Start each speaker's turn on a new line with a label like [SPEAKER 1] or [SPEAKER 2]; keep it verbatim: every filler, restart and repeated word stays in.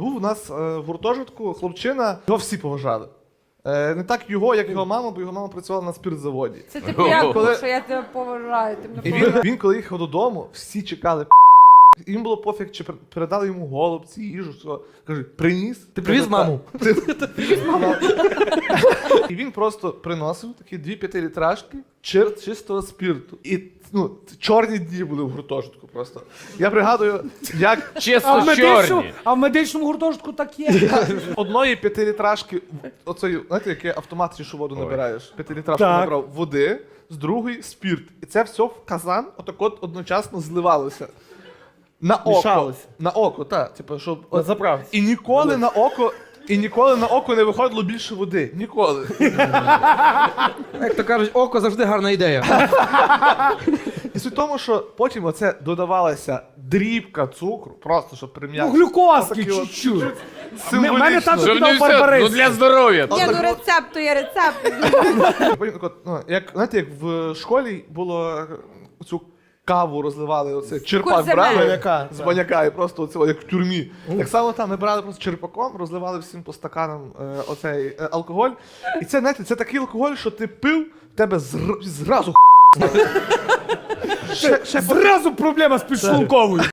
[SPEAKER 1] був у нас е, в гуртожитку хлопчина, його всі поважали. Е, не так його, як його мама, бо його мама працювала на спиртзаводі.
[SPEAKER 2] Це типу як,
[SPEAKER 1] Коли-
[SPEAKER 2] що я тебе поважаю. Ти мене
[SPEAKER 1] І він,
[SPEAKER 2] поважаєш.
[SPEAKER 1] він коли їхав додому, всі чекали. Їм було пофіг, чи пер- передали йому голубці, їжу, все. Каже, приніс.
[SPEAKER 3] Ти привіз
[SPEAKER 1] Каже,
[SPEAKER 3] маму?
[SPEAKER 1] «Та». Ти привіз маму. І він просто приносив такі дві п'ятилітражки чир чистого спирту. І ну, чорні дні були в гуртожитку просто. Я пригадую, як
[SPEAKER 4] А
[SPEAKER 3] Чесно
[SPEAKER 4] в, медичному,
[SPEAKER 3] чорні.
[SPEAKER 4] а в медичному гуртожитку так є.
[SPEAKER 1] одної п'ятилітражки, оцеї, знаєте, який автомат, що воду набираєш, п'ятилітражку
[SPEAKER 4] Так.
[SPEAKER 1] набрав води, з другої спирт. І це все в казан отак от одночасно зливалося. На око.
[SPEAKER 4] Мішалося.
[SPEAKER 1] На око, так. Типу, щоб...
[SPEAKER 4] На заправці.
[SPEAKER 1] І ніколи на око. І ніколи на око не виходило більше води. Ніколи.
[SPEAKER 3] Як то кажуть, око завжди гарна ідея.
[SPEAKER 1] І суть в тому, що потім оце додавалася дрібка цукру, просто щоб
[SPEAKER 4] Ну,
[SPEAKER 1] прим'яти.
[SPEAKER 4] глюкозки
[SPEAKER 1] Отакі от
[SPEAKER 4] чуть-чуть.
[SPEAKER 1] Символічно.
[SPEAKER 4] В мене тато
[SPEAKER 3] Щоб
[SPEAKER 4] кидав
[SPEAKER 3] не все,
[SPEAKER 4] барбарис.
[SPEAKER 3] ну для здоров'я.
[SPEAKER 2] Ні, ну рецепт, то є рецепт.
[SPEAKER 1] Потім, так от, ну, як, знаєте, як в школі було е, цю каву розливали, оце черпак
[SPEAKER 2] Курсиме.
[SPEAKER 1] брали
[SPEAKER 4] Баняка,
[SPEAKER 1] з баняка і просто оце, як в тюрмі. Так само там ми брали просто черпаком, розливали всім по стаканам е, оцей е, алкоголь. І це, знаєте, це такий алкоголь, що ти пив, в тебе зр- зразу ще, ще
[SPEAKER 4] Зразу проблема з підшлунковою.